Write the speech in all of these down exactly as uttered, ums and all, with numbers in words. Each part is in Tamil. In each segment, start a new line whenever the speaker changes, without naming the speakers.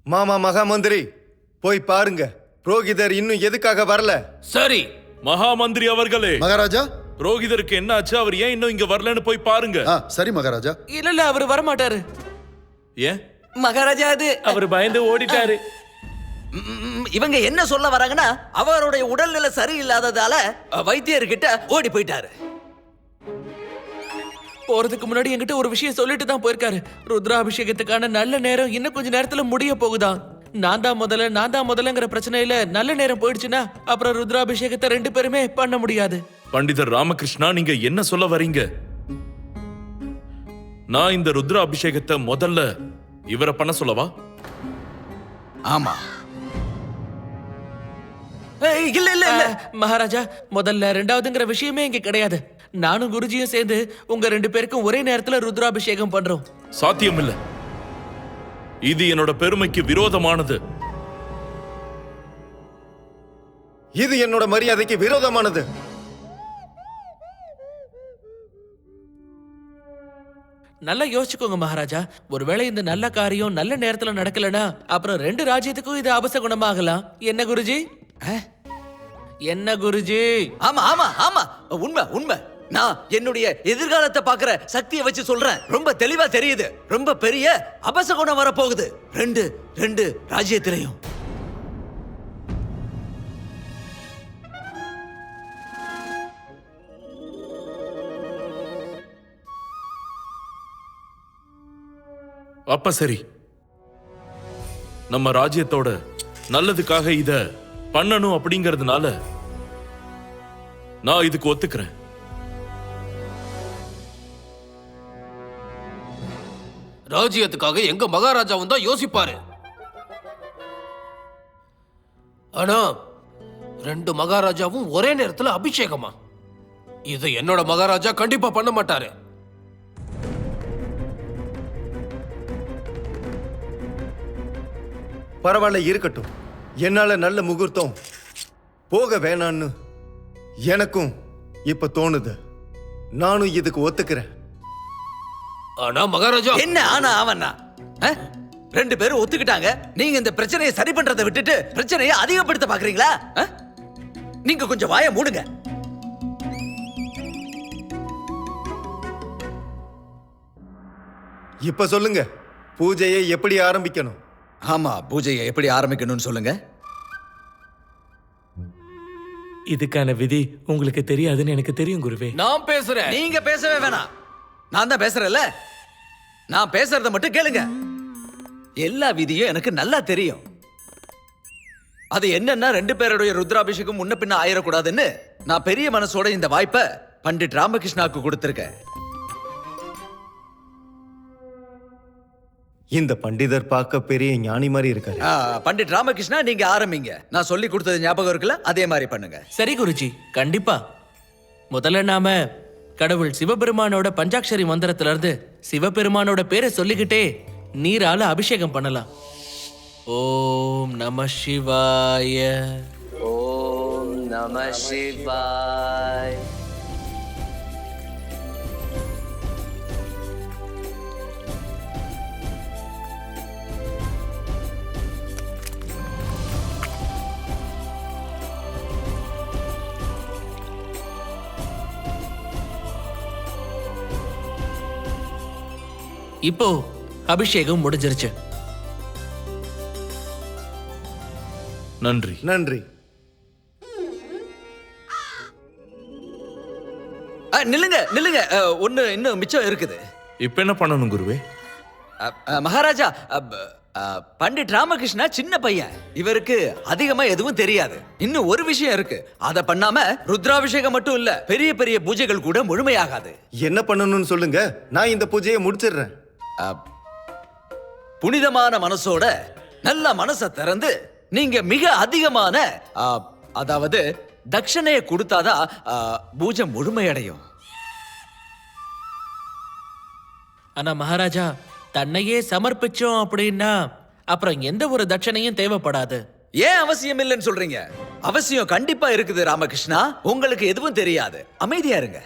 மாமா மகாமந்திரி, போய் பாருங்க, புரோகிதர் இன்னும் எதுக்காக வரல?
சரி
மகாமந்திரி அவர்களே.
மகாராஜா,
புரோகிதருக்கு என்ன ஆச்சு? அவர் ஏன் இன்னும் இங்க வரலன்னு போய் பாருங்க.
ஆ, சரி மகாராஜா.
இல்ல இல்ல அவர் வர மாட்டாரு.
ஏன்
மகாராஜா, அது
அவர் பயந்து ஓடிட்டாரு.
ம், இவங்க என்ன சொல்ல வராங்கன்னா அவருடைய உடல்நிலை சரியில்லாததால வைத்தியர்கிட்ட ஓடி போயிட்டாரு. போறதுக்கு முன்னாடி என்கிட்ட ஒரு விஷயம் சொல்லிட்டு தான் போயிருக்காரு. ருத்ராபிஷேகத்துக்கான நல்ல நேரம் இன்னும் கொஞ்ச நேரத்துல முடிய போகுதா. நான் தான் முதல்ல நான் தான் முதல்லங்கிற பிரச்சனையில நல்ல நேரம் போயிடுச்சுன்னா அப்புறம் ருத்ராபிஷேகத்தை ரெண்டு பேருமே பண்ண முடியாது.
பண்டிதர் ராமகிருஷ்ணா, நீங்க என்ன சொல்ல வரீங்க? நான் இந்த ருத்ர அபிஷேகத்தை முதல்ல இவரை பண்ண சொல்லவா?
ஆமா. ஏய், இல்ல இல்ல இல்ல மகாராஜா, முதல்ல ரெண்டாவதுங்கிற விஷயமே இங்க கிடையாது. நானும் குருஜியும் சேர்ந்து உங்க ரெண்டு பேருக்கும் ஒரே நேரத்துல ருத்ராபிஷேகம் பண்றோம்.
சாத்தியம் இல்ல. இது என்னோட பெருமைக்கு விரோதமானது.
இது என்னோட மரியாதைக்கு விரோதமானது.
நல்லா யோசிச்சுக்கோங்க மகாராஜா. ஒருவேளை இந்த நல்ல காரியம் நல்ல நேரத்துல நடக்கலனா அப்புறம் ரெண்டு ராஜ்யத்துக்கும் இது அபசகுணமாகலாம். என்ன குருஜி? என்ன குருஜி? ஆமா ஆமா ஆமா, உண்மை உண்மை. நான் என்னுடைய எதிர்காலத்தை பாக்குற சக்தியை வச்சு சொல்றேன். ரொம்ப தெளிவா தெரியுது. ரொம்ப பெரிய அபசகுணம் வர போகுது ரெண்டு ரெண்டு ராஜ்யத்திலையும்.
அப்ப சரி, நம்ம ராஜ்யத்தோட நல்லதுக்காக இத பண்ணணும் அப்படிங்கறதுனால நான் இதுக்கு ஒத்துக்கிறேன்.
ராஜ்யத்துக்காக எங்க மகாராஜாவும் தான் யோசிப்பாரு. ஆனா ரெண்டு மகாராஜாவும் ஒரே நேரத்துல அபிஷேகமா? இதை என்னோட மகாராஜா கண்டிப்பா பண்ண மாட்டாரு.
பரவாயில்ல, இருக்கட்டும். என்னால நல்ல முகூர்த்தம் போக வேணான்னு எனக்கும் இப்ப தோணுது. நானும் இதுக்கு ஒத்துக்கிறேன்.
ஆனா மகாராஜா,
என்ன ஆனா அவனா? ரெண்டு பேரும் ஒத்துக்கிட்டாங்க. நீங்க இந்த பிரச்சனையை சரி பண்றதை விட்டுட்டு பிரச்சனையை அதிகப்படுத்த பாக்குறீங்களா? நீங்க கொஞ்சம் வாயை மூடுங்க.
இப்ப சொல்லுங்க, பூஜையை எப்படி ஆரம்பிக்கணும்?
ஆமா, பூஜையை எப்படி ஆரம்பிக்கணும்னு சொல்லுங்க.
இதுக்கான விதி உங்களுக்கு தெரியாதுன்னு எனக்கு தெரியும் குருவே. நான் பேசுறேன்.
நீங்க பேசவே வேணாம். நான் தான் பேசுறேன்ல. நான் பேசுறத மட்டும் கேளுங்க. எல்லா விதியும் எனக்கு நல்லா தெரியும். அது என்னன்னா, ரெண்டு பேருடைய ருத்ராபிஷேகம் முன்ன பின்ன ஆயிடக்கூடாதுன்னு நான் பெரிய மனசோட இந்த வாய்ப்பை பண்டிட் ராமகிருஷ்ணாவுக்கு கொடுத்திருக்கேன்.
இந்த பண்டிதர் பார்க்க பெரிய ஞானி மாதிரி இருக்காரு.
ஆ, பண்டிட் ராமகிருஷ்ணா, நீங்க ஆரம்பிங்க. நான் சொல்லி கொடுத்தது ஞாபகம் இருக்குல்ல? அதே மாதிரி பண்ணுங்க. சரி குருஜி, கண்டிப்பா. முதல்ல நாம கடவுள் சிவபெருமானோட பஞ்சாட்சரி மந்திரத்துல இருந்து சிவபெருமானோட பேரை சொல்லிக்கிட்டே நீரால அபிஷேகம் பண்ணலாம். ஓம் நம சிவாய.
ஓம் நம சிவாய.
இப்போ அபிஷேகம் முடிஞ்சிருச்சு.
நன்றி
நன்றி.
ஆ, நில்லுங்க நில்லுங்க. ஆ, ஒண்ணு இன்னும் மிச்சம் இருக்குது.
இப்ப என்ன பண்ணணும் குருவே?
அ, அ, மகாராஜா, அப், அ, பண்டிட் ராமகிருஷ்ணா சின்ன பையன். இவருக்கு அதிகமா எதுவும் தெரியாது. இன்னும் ஒரு விஷயம் இருக்கு. அத பண்ணாம ருத்ராபிஷேகம் மட்டும் இல்ல, பெரிய பெரிய பூஜைகள் கூட முழுமையாகாது.
என்ன பண்ணணும்னு சொல்லுங்க, நான் இந்த பூஜையை முடிச்சிடுறேன்.
அ, புனிதமான மனசோட நல்ல மனசை திறந்து நீங்க மிக அதிகமான அ, அதாவது தட்சணையை கொடுத்தாதான் அ, பூஜை முழுமையடையும். ஆனா மகாராஜா, தன்னையே சமர்ப்பிச்சோம் அப்படின்னா அப்புறம் எந்த ஒரு தட்சணையும் தேவைப்படாது. ஏன் அவசியம் இல்லைன்னு சொல்றீங்க? அவசியம் கண்டிப்பா இருக்குது ராமகிருஷ்ணா. உங்களுக்கு எதுவும் தெரியாது, அமைதியா இருங்க.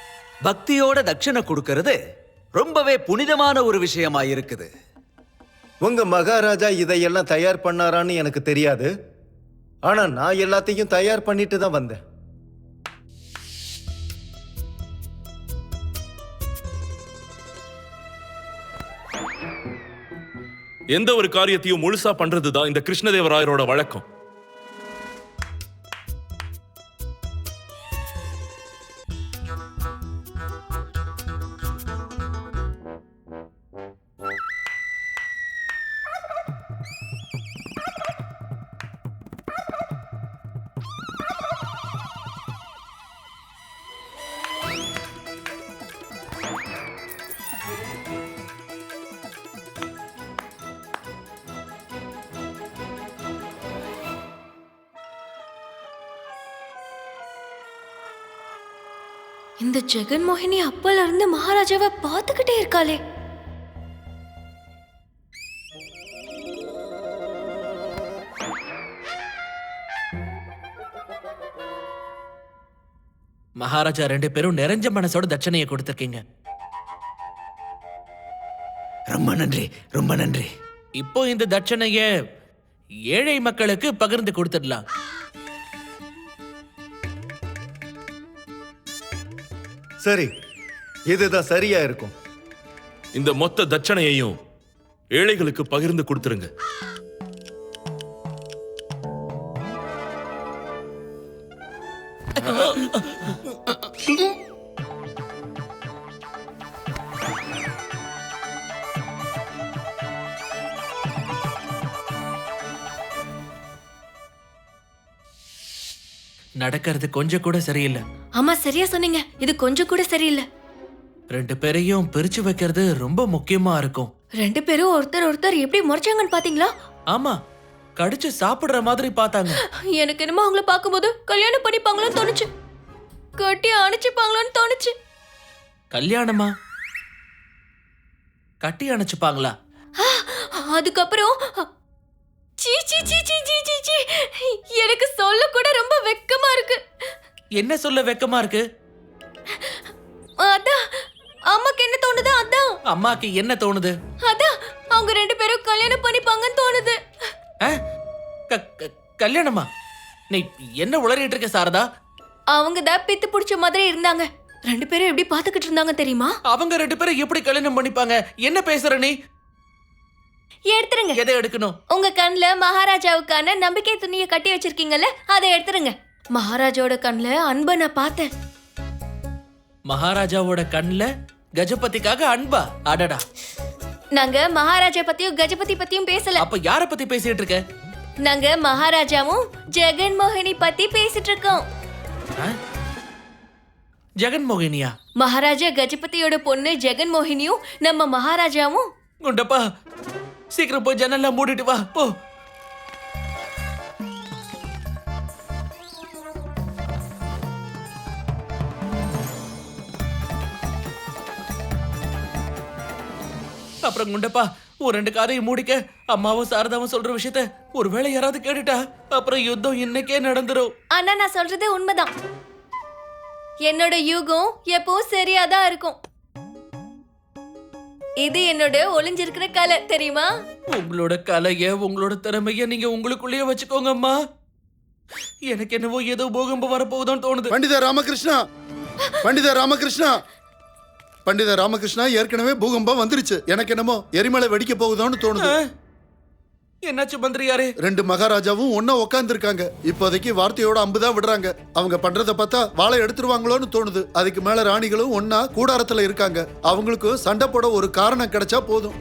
பக்தியோட தட்சணை கொடுக்கிறது ரொம்பவே புனிதமான ஒரு விஷயமா இருக்குது.
உங்க மகாராஜா இதையெல்லாம் தயார் பண்ணாரான்னு எனக்கு தெரியாது. ஆனா நான் எல்லாத்தையும் தயார் பண்ணிட்டு தான் வந்தேன்.
எந்த ஒரு காரியத்தையும் முழுசா பண்றதுதான் இந்த கிருஷ்ணதேவராயரோட வழக்கம்.
இந்த ஜெகன்மோகினி அப்பல இருந்து மகாராஜாவை பார்த்துக்கிட்டே இருக்காளே.
மகாராஜா ரெண்டு பேரும் நிறைஞ்ச மனசோட தட்சணையை கொடுத்திருக்கீங்க.
ரொம்ப நன்றி, ரொம்ப நன்றி.
இப்போ இந்த தட்சணைய ஏழை மக்களுக்கு பகிர்ந்து கொடுத்துடலாம்.
சரி, இதுதான் சரியா இருக்கும்.
இந்த மொத்த தட்சணையையும் ஏழைகளுக்கு பகிர்ந்து கொடுத்துருங்க.
நடக்கிறது கொஞ்சம் கூட சரியில்லை.
ஆமா, சரியா சொன்னீங்க. இது கொஞ்சம் கூட சரியில்லை.
ரெண்டு பேரையும் பிரிச்சு வைக்கிறது ரொம்ப முக்கியமா இருக்கும்.
ரெண்டு பேரும் ஒருத்தர் ஒருத்தர் எப்படி முறைச்சாங்கன்னு பாத்தீங்களா?
ஆமா, கடிச்சு சாப்பிடுற மாதிரி பார்த்தாங்க.
எனக்கு என்னமோ அவங்கள பார்க்கும்போது கல்யாணம் பண்ணிப்பாங்களோன்னு தோணுச்சு. கட்டி அணைச்சுப்பாங்களோன்னு தோணுச்சு.
கல்யாணமா? கட்டி அணைச்சுப்பாங்களா?
அதுக்கப்புறம் சீ சீ சீ சீ சீ சீ சீ எனக்கு சொல்ல கூட ரொம்ப வெக்கமா இருக்கு.
என்ன சொல்ல வெக்கமா இருக்கு?
அதான் அம்மாக்கு என்ன தோணுது? அதான்
அம்மாக்கு என்ன தோணுது?
அதான் அவங்க ரெண்டு பேரும் கல்யாணம் பண்ணிப்பாங்கன்னு தோணுது.
ஆ? க- க- கல்யாணமா? நீ என்ன உளறிட்டு இருக்க சாரதா?
அவங்க தான் பித்து பிடிச்ச மாதிரி இருந்தாங்க. ரெண்டு பேரும் எப்படி பாத்துக்கிட்டு இருந்தாங்க தெரியுமா?
அவங்க ரெண்டு பேரும் எப்படி கல்யாணம் பண்ணிப்பாங்க? என்ன பேசுற நீ?
எடுத்துருங்க.
எதை எடுக்கணும்?
உங்க கண்ணுல மகாராஜாவுக்கான நம்பிக்கை துணியை கட்டி வச்சிருக்கீங்கல்ல, அதை எடுத்துருங்க. மகாராஜாவோட கண்ணுல அன்பை நான் பார்த்தேன்.
மகாராஜாவோட கண்ணுல கஜபதிக்காக அன்பா? அடடா,
நாங்க மகாராஜா பத்தியும் கஜபதி பத்தியும் பேசல.
அப்ப யார பத்தி பேசிட்டு இருக்க?
நாங்க மகாராஜாவும் ஜெகன்மோகினி பத்தி பேசிட்டு இருக்கோம்.
ஆ? ஜெகன்மோகினியா?
மகாராஜா கஜபதியோட பொண்ணு ஜெகன்மோகினியும் நம்ம மகாராஜாவும்.
குண்டப்பா, சீக்கிரம் போய் ஜன்னல்லாம் மூடிட்டு வா போ. அப்புறம் குண்டப்பா, ஒரு ரெண்டு காதையும் மூடிக்க. அம்மாவும் சாரதாவும் சொல்ற விஷயத்த ஒருவேளை யாராவது கேட்டுட்டா அப்புறம் யுத்தம் இன்னைக்கே நடந்துரும்.
ஆனா நான் சொல்றது உண்மைதான். என்னோட யூகம் எப்பவும் சரியாதான் இருக்கும். இது என்னோட ஒளிஞ்சிருக்கிற கலை, தெரியுமா?
உங்களோட கலைய, உங்களோட திறமைய நீங்க உங்களுக்குள்ளேயே வச்சுக்கோங்க அம்மா. எனக்கு என்னவோ ஏதோ பூகம்பம் வரப்போகுதுன்னு தோணுது.
பண்டித ராமகிருஷ்ணா, பண்டித ராமகிருஷ்ணா, பண்டித ராமகிருஷ்ணா, ஏற்கனவே பூகம்பம் வந்துருச்சு. எனக்கு என்னமோ எரிமலை வெடிக்க போகுதோன்னு தோணுது.
என்னாச்சு மந்திரியாரே?
ரெண்டு மகாராஜாவும் ஒன்னா உட்கார்ந்து இருக்காங்க. இப்போதைக்கு வார்த்தையோட அம்புதான் விடுறாங்க. அவங்க பண்றத பார்த்தா வாளை எடுத்துருவாங்களோன்னு தோணுது. அதுக்கு மேல ராணிகளும் ஒன்னா கூடாரத்துல இருக்காங்க. அவங்களுக்கும் சண்டை போட ஒரு காரணம் கிடைச்சா போதும்.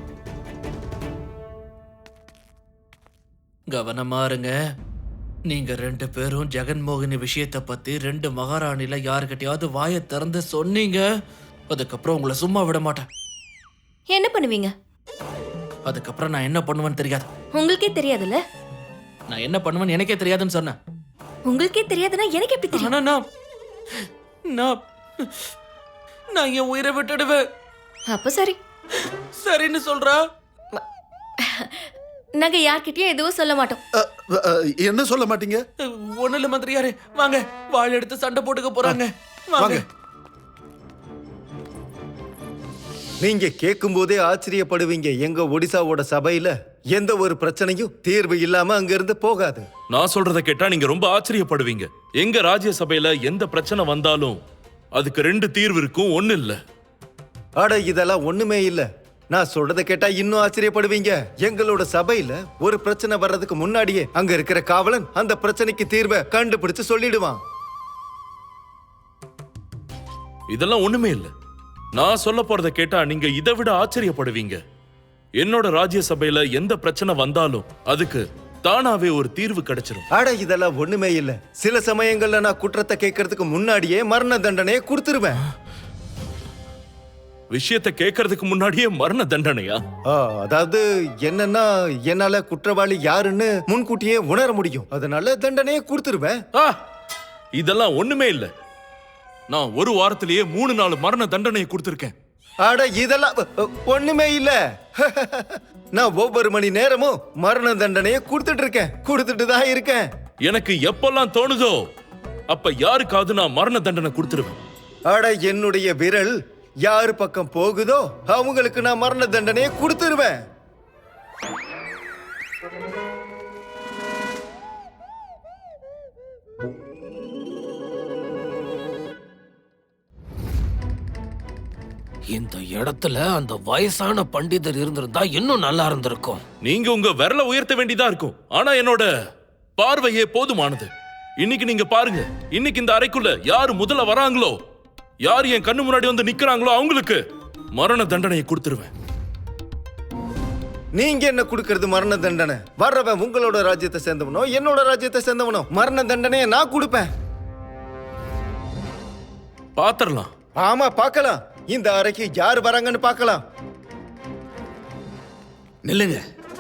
கவனமா இருங்க. நீங்க ரெண்டு பேரும் ஜெகன்மோகினி விஷயத்தை பத்தி ரெண்டு மகாராணில யாருக்கிட்டையாவது வாயை திறந்து சொன்னீங்க, அதுக்கப்புறம் உங்களை சும்மா விட மாட்டேன்.
என்ன பண்ணுவீங்க?
அதுக்கப்புறம் நான் என்ன பண்ணுவேன்னு தெரியாது.
உங்களுக்கே தெரியாதுல்ல?
நான் என்ன பண்ணுவேன்னு எனக்கே தெரியாதுன்னு சொன்னேன்.
உங்களுக்கே தெரியாதுன்னா எனக்கு எப்படி தெரியும்?
ஆனா நான் நான் நான் என் உயிரை விட்டுடுவேன்.
அப்ப சரி.
சரின்னு சொல்றா?
நாங்க யார்கிட்டயும் எதுவும் சொல்ல மாட்டோம்.
அ, அ, என்ன சொல்ல மாட்டீங்க?
ஒண்ணு இல்ல மந்திரியாரே, வாங்க. வாள் எடுத்து சண்டை போட்டுக்க போறாங்க. வாங்க.
நீங்க கேட்கும் போதே ஆச்சரியப்படுவீங்க. எங்க ஒடிசாவோட சபையில எந்த ஒரு பிரச்சனையும் தீர்வு இல்லாம அங்க இருந்து போகாது.
நான் சொல்றத கேட்டா நீங்க ரொம்ப ஆச்சரியப்படுவீங்க. எங்க ராஜ்யசபையில எந்த பிரச்சனை வந்தாலும் அதுக்கு ரெண்டு தீர்வு இருக்கும், ஒண்ணு இல்ல.
அட இதெல்லாம் ஒண்ணுமே இல்ல. நான் சொல்றத கேட்டா இன்னும் ஆச்சரியப்படுவீங்க. எங்களோட சபையில ஒரு பிரச்சனை வர்றதுக்கு முன்னாடியே அங்க இருக்கிற காவலன் அந்த பிரச்சனைக்கு தீர்வை கண்டுபிடிச்சு சொல்லிடுவான்.
இதெல்லாம் ஒண்ணுமே இல்ல. நான் சொல்ல போறத கேட்டா நீங்க இதை விட ஆச்சரியப்படுவீங்க. என்னோட ராஜ்யசபையில எந்த பிரச்சனை வந்தாலும் அதுக்கு தானாவே ஒரு தீர்வு கிடைச்சிரும்.
அட இதெல்லாம் ஒண்ணுமே இல்ல. சில சமயங்கள்ல நான் குற்றத்தை கேட்கறதுக்கு முன்னாடியே மரண தண்டனையை கொடுத்துருவேன்.
விஷயத்தை கேட்கறதுக்கு முன்னாடியே மரண தண்டனையா?
ஆ, அதாவது என்னன்னா என்னால குற்றவாளி யாருன்னு முன்கூட்டியே உணர முடியும். அதனால தண்டனையை கொடுத்துருவேன்.
ஆ, இதெல்லாம் ஒண்ணுமே இல்ல. நான் ஒரு வாரத்திலேயே மூணு நாலு மரண தண்டனையை கொடுத்திருக்கேன்.
அட இதெல்லாம் அ, ஒண்ணுமே இல்ல. நான் ஒவ்வொரு மணி நேரமும் மரண தண்டனையை கொடுத்துட்டு இருக்கேன் கொடுத்துட்டு தான் இருக்கேன்.
எனக்கு எப்பெல்லாம் தோணுதோ அப்ப யாருக்காவது நான் மரண தண்டனை கொடுத்துருவேன்.
அட என்னுடைய விரல் யாரு பக்கம் போகுதோ அவங்களுக்கு நான் மரண தண்டனையை கொடுத்துருவேன்.
இந்த இடத்துல அந்த வயசான பண்டிதர் இருந்திருந்தா இன்னும் நல்லா இருந்திருக்கும்.
நீங்க உங்க விரல உயர்த்த வேண்டியதா இருக்கும். ஆனா என்னோட பார்வையே போதுமானது. இன்னைக்கு நீங்க பாருங்க, இன்னைக்கு இந்த அறைக்குள்ள யாரு முதல்ல வராங்களோ, யார் என் கண்ணு முன்னாடி வந்து நிக்கிறாங்களோ அவங்களுக்கு மரண தண்டனையை கொடுத்துருவேன்.
நீங்க என்ன கொடுக்கறது மரண தண்டனை? வர்றவன் உங்களோட ராஜ்யத்தை சேர்ந்தவனோ என்னோட ராஜ்யத்தை சேர்ந்தவனோ மரண தண்டனையை நான் கொடுப்பேன்.
பாத்திரலாம்.
ஆமா பார்க்கலாம். இந்த அறைக்கு யார் வராங்கன்னு பார்க்கலாம்.
நில்லுங்க.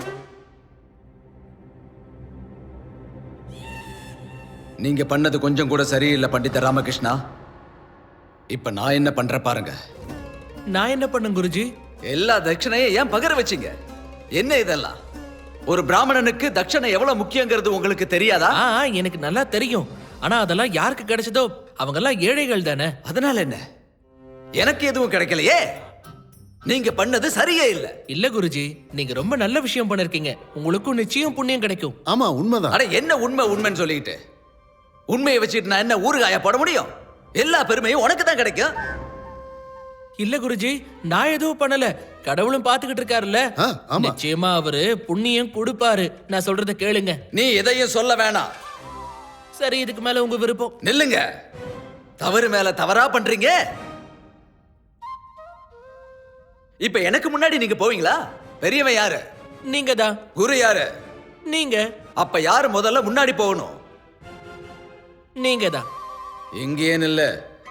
நீங்க பண்ணது கொஞ்சம் கூட சரியில்லை பண்டித ராமகிருஷ்ணா. இப்ப நான் என்ன பண்ற பாருங்க.
நான் என்ன பண்ணேன் குருஜி?
எல்லா தட்சணையும் ஏன் பகர வச்சீங்க? என்ன இதெல்லாம்? ஒரு பிராமணனுக்கு தட்சணை எவ்வளவு முக்கியங்கிறது உங்களுக்கு தெரியாதா?
ஆ, எனக்கு நல்லா தெரியும். ஆனா அதெல்லாம் யாருக்கு கிடைச்சதோ அவங்க எல்லாம் ஏழைகள் தானே.
அதனால என்ன? எனக்கு எதுவும் கிடைக்கலையே. நீங்க பண்ணது சரியே இல்ல.
இல்ல குருஜி, நீங்க ரொம்ப நல்ல விஷயம் பண்ணிருக்கீங்க. உங்களுக்கும் நிச்சயம் புண்ணியம் கிடைக்கும்.
ஆமா உண்மைதான்.
அட என்ன உண்மை உண்மைன்னு சொல்லிட்டு உண்மையை வச்சுட்டு நான் என்ன ஊறுகாய போட முடியும்? எல்லா பெருமையும் உனக்கு தான் கிடைக்கும்.
இல்ல குருஜி, நான் எதுவும் பண்ணல. கடவுளும் பாத்துக்கிட்டு இருக்காருல்ல.
ஆ, ஆமா.
நிச்சயமா அவரு புண்ணியம் கொடுப்பாரு. நான் சொல்றத கேளுங்க.
நீ எதையும் சொல்ல வேணாம்.
சரி, இதுக்கு மேல உங்க விருப்பம்.
நில்லுங்க. தவறு மேல தவறா பண்றீங்க. இப்ப எனக்கு முன்னாடி நீங்க போவீங்களா? பெரியவன் யாரு?
நீங்க தான்.
குரு யாரு?
நீங்க.
அப்ப யாரு முதல்ல முன்னாடி போகணும்?
நீங்க தான்.
இங்கேயே நில்லு.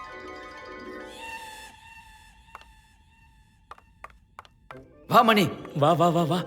வா மணி.
வா வா வா வா.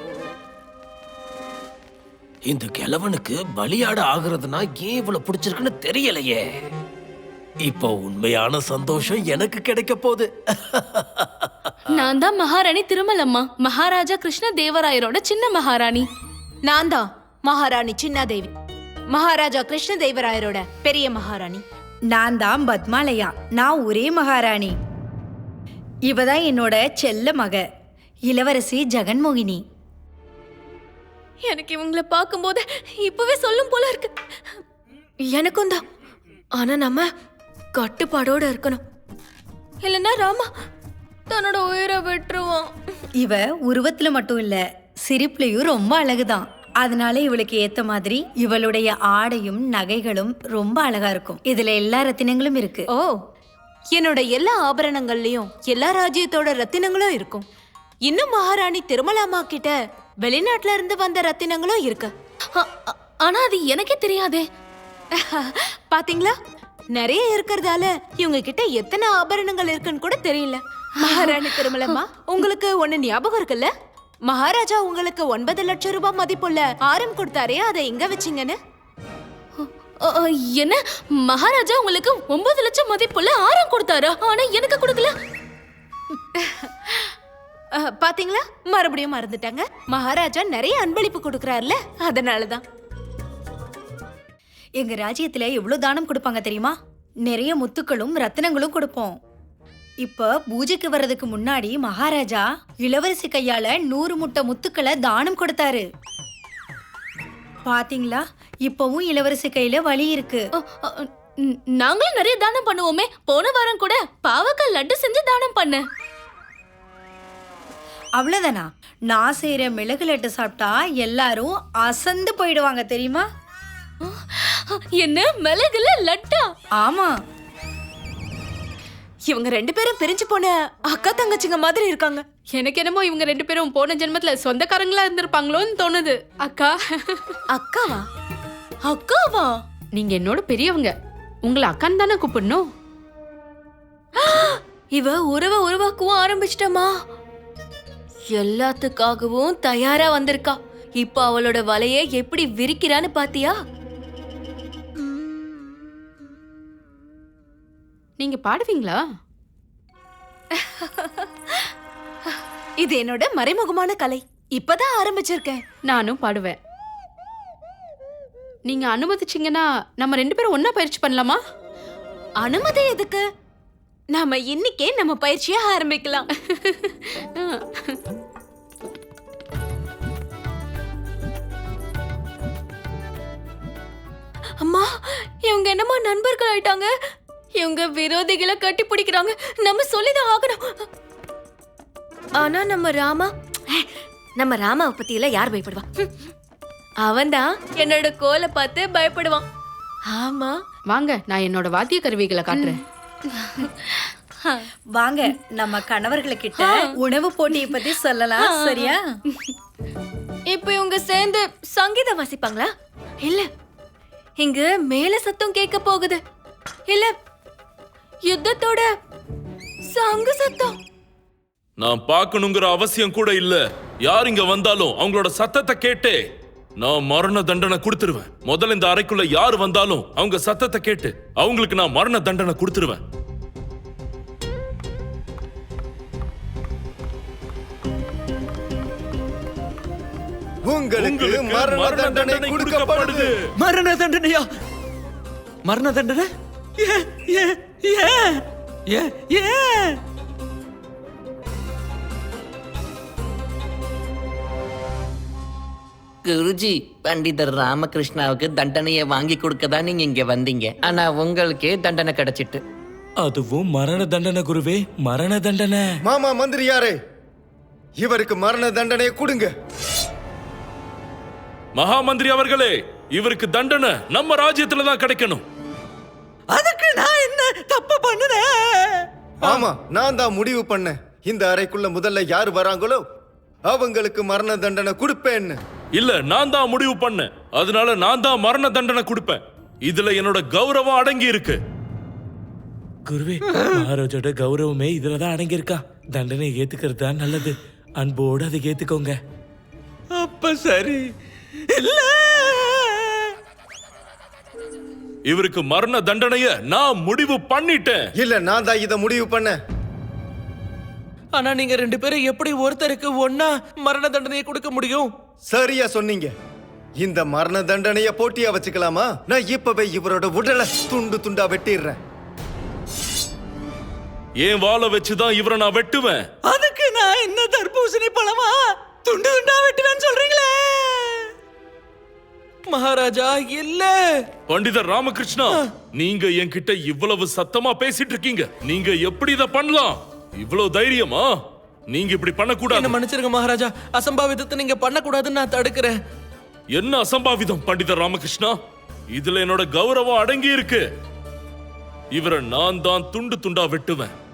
இந்த கிழவனுக்கு பலியாட ஆகுறதுனா ஏன் இவ்வளவு பிடிச்சிருக்குன்னு தெரியலையே. இப்போ உண்மையான சந்தோஷம் எனக்கு கிடைக்க போகுது.
நான் தான் மகாராணி திருமலம்மா, மகாராஜா கிருஷ்ண தேவராயரோட சின்ன மகாராணி.
நான் தான் மகாராணி சின்னாதேவி, மகாராஜா கிருஷ்ண தேவராயரோட பெரிய மகாராணி.
நான் தான் பத்மாலயா, நான் ஒரே மகாராணி. இவதான் என்னோட செல்ல மக இளவரசி ஜெகன்மோகினி.
எனக்கு இவங்கள பார்க்கும்போது இப்பவே சொல்லும் போல இருக்கு. எனக்கும் தான். ஆனா நம்ம கட்டுப்பாடோட இருக்கணும், இல்லைன்னா ராமா தன்னோட உயிரை விட்டுருவான்.
இவ உருவத்துல மட்டும் இல்ல, சிரிப்புலயும் ரொம்ப அழகுதான். அதனால இவளுக்கு ஏத்த மாதிரி இவளுடைய ஆடையும் நகைகளும் ரொம்ப அழகா இருக்கும். இதுல எல்லா ரத்தினங்களும் இருக்கு.
ஓ, என்னோட எல்லா ஆபரணங்கள்லயும் எல்லா ராஜ்யத்தோட ரத்தினங்களும் இருக்கும். இன்னும் மகாராணி திருமலாமா கிட்ட வெளிநாட்டுல இருந்து வந்த ரத்தினங்களும் இருக்கு.
ஆ- ஆ- ஆனா அது எனக்கே தெரியாதே.
பாத்தீங்களா, நிறைய இருக்கிறதால இவங்க கிட்ட எத்தனை ஆபரணங்கள் இருக்குன்னு கூட தெரியல. மகாராணி திருமலம்மா, உங்களுக்கு ஒண்ணு ஞாபகம் இருக்குல்ல? மகாராஜா உங்களுக்கு ஒன்பது லட்சம் ரூபாய் மதிப்புள்ள ஆரம் கொடுத்தாரே, அதை எங்க வச்சீங்கன்னு?
ஆ, ஆ, என்ன மகாராஜா உங்களுக்கு ஒன்பது லட்சம் மதிப்புள்ள ஆரம் கொடுத்தாரா? ஆனா எனக்கு கொடுக்கல.
அஹ், பாத்தீங்களா, மறுபடியும் மறந்துட்டாங்க. மகாராஜா நிறைய அன்பளிப்பு கொடுக்கறாருல, அதனாலதான்.
எங்க ராஜ்யத்துல எவ்வளவு தானம் கொடுப்பாங்க தெரியுமா? நிறைய முத்துக்களும் ரத்தினங்களும் கொடுப்போம். இப்ப பூஜைக்கு வர்றதுக்கு முன்னாடி மகாராஜா இளவரசி கையால நூறு முட்டை முத்துக்களை தானம் கொடுத்தாரு. பாத்தீங்களா, இப்பவும் இளவரசி கையில வலி இருக்கு.
அ, அ, ந- நாங்களும் நிறைய தானம் பண்ணுவோமே. போன வாரம் கூட பாவக்காய் லட்டு செஞ்சு தானம் பண்ண.
அவ்வளவுதானா? நான் செய்யற மிளகு லட்டு சாப்பிட்டா எல்லாரும் அசந்து போயிடுவாங்க தெரியுமா?
என்ன மிளகுல லட்டா?
ஆமா.
இவங்க ரெண்டு பேரும் பிரிஞ்சு போன அக்கா தங்கச்சிங்க மாதிரி இருக்காங்க.
எனக்கு என்னமோ இவங்க ரெண்டு பேரும் போன ஜென்மத்துல சொந்தக்காரங்களா இருந்திருப்பாங்களோன்னு தோணுது. அக்கா
அக்காவா? அக்காவா?
நீங்க என்னோட பெரியவங்க, உங்களை அக்கான்னு தானே கூப்பிடணும். இவ உறவை உருவாக்கவும் ஆரம்பிச்சிட்டமா. எல்லாத்துக்காகவும் தயாரா வந்திருக்கா. இப்ப அவளோட வலையை எப்படி விரிக்கிறான்னு பாத்தியா? நீங்க பாடுவீங்களா?
இது என்னோட மறைமுகமான கலை. இப்பதான் ஆரம்பிச்சிருக்கேன்.
நானும் பாடுவேன். நீங்க அனுமதிச்சீங்கன்னா நம்ம ரெண்டு பேரும் ஒன்னா பயிற்சி பண்ணலாமா?
அனுமதி எதுக்கு? நாம இன்னைக்கே நம்ம பயிற்சியை ஆரம்பிக்கலாம்.
அம்மா, இவங்க என்னமா நண்பர்கள் ஆயிட்டாங்க. இவங்க விரோதிகளை கட்டி பிடிக்கிறாங்க. நம்ம சொல்லிதான் ஆகணும். ஆனா நம்ம ராமா, நம்ம ராமாவை பத்தி எல்லாம் யார் பயப்படுவா? அவன்தான் என்னோட கோலை பார்த்து பயப்படுவான். ஆமா, வாங்க நான் என்னோட வாத்திய கருவிகளை காட்டுறேன்.
வாங்க நம்ம கணவர்களுக்கிட்ட உணவு போட்டியை பத்தி சொல்லலாம். சரியா?
இப்ப இவங்க சேர்ந்து சங்கீதம் வாசிப்பாங்களா? இல்ல, இங்க மேல சத்தம் கேட்க போகுது. இல்ல, யுத்தத்தோட சங்கு சத்தம்.
நான் பார்க்கணுங்கிற அவசியம் கூட இல்ல. யார் இங்க வந்தாலும் அவங்களோட சத்தத்தை கேட்டே நான் மரண தண்டனை கொடுத்துருவேன். முதல்ல இந்த அறைக்குள்ள யார் வந்தாலும் அவங்க சத்தத்தை கேட்டு அவங்களுக்கு நான் மரண தண்டனை கொடுத்துருவேன்.
உங்களுக்கு மரண தண்டனை கொடுக்கப்படுது.
மரண தண்டனையா? மரண தண்டனை? ஏ ஏ ஏ ஏ ஏ
குருஜி, பண்டிதர் ராமகிருஷ்ணாவுக்கு தண்டனையை வாங்கி கொடுக்க தான் நீங்க இங்க வந்தீங்க. ஆனா உங்களுக்கே தண்டனை கிடைச்சிட்டு.
அதுவும் மரண தண்டனை குருவே, மரண தண்டனை.
மாமா மந்திரியாரே, இவருக்கு மரண தண்டனையை கொடுங்க.
மகா மந்திரி அவர்களே, இவருக்கு தண்டனை நம்ம ராஜ்யத்துல தான் கிடைக்கணும்.
அதுக்கு நான் என்ன தப்பு பண்ணுனேன்?
ஆமா, நான் தான் முடிவு பண்ணேன். இந்த அறைக்குள்ள முதல்ல யார் வராங்களோ அவங்களுக்கு மரண தண்டனை கொடுப்பேன்னு.
இல்ல, நான் தான் முடிவு பண்ணேன். அதனால நான் தான் மரண தண்டனை கொடுப்பேன். இதுல என்னோட கௌரவம் அடங்கி இருக்கு.
குருவே, மகாராஜோட கௌரவமே இதுலதான் அடங்கியிருக்கா. தண்டனை ஏத்துக்கிறது தான் நல்லது. அன்போடு அதை ஏத்துக்கோங்க.
அப்ப சரி. இல்ல,
இவருக்கு மரண தண்டனைய நான் முடிவு பண்ணிட்டேன்.
இல்ல, நான் தான் இதை முடிவு பண்ணேன்.
ஆனா நீங்க ரெண்டு பேரும் எப்படி ஒருத்தருக்கு ஒன்னா மரண தண்டனையை கொடுக்க முடியும்?
சரியா சொன்னீங்க. இந்த மரண தண்டனைய போட்டியா வச்சுக்கலாமா? நான் இப்பவே இவரோட உடலை துண்டு துண்டா வெட்டிடுறேன்.
ஏன் வாளை வச்சுதான் இவரை நான் வெட்டுவேன்.
அதுக்கு நான் என்ன தர்பூசணி பழமா துண்டு துண்டா வெட்டுவேன்னு சொல்றீங்களே?
மகாராஜா, இல்ல.
பண்டிதர் ராமகிருஷ்ணா, நீங்க என்கிட்ட இவ்வளவு சத்தமா பேசிட்டு இருக்கீங்க. நீங்க எப்படி இத பண்ணலாம்? இவ்வளவு தைரியமா? நீங்க இப்படி பண்ண
என்ன
கூடாது.
மன்னிச்சிருங்க மகாராஜா. அசம்பாவிதத்தை நீங்க பண்ண கூடாதுன்னு நான் தடுக்கிறேன்.
என்ன அசம்பாவிதம் பண்டிதர் ராமகிருஷ்ணா? இதுல என்னோட கௌரவம் அடங்கி இருக்கு. இவரை நான் தான் துண்டு துண்டா வெட்டுவேன்.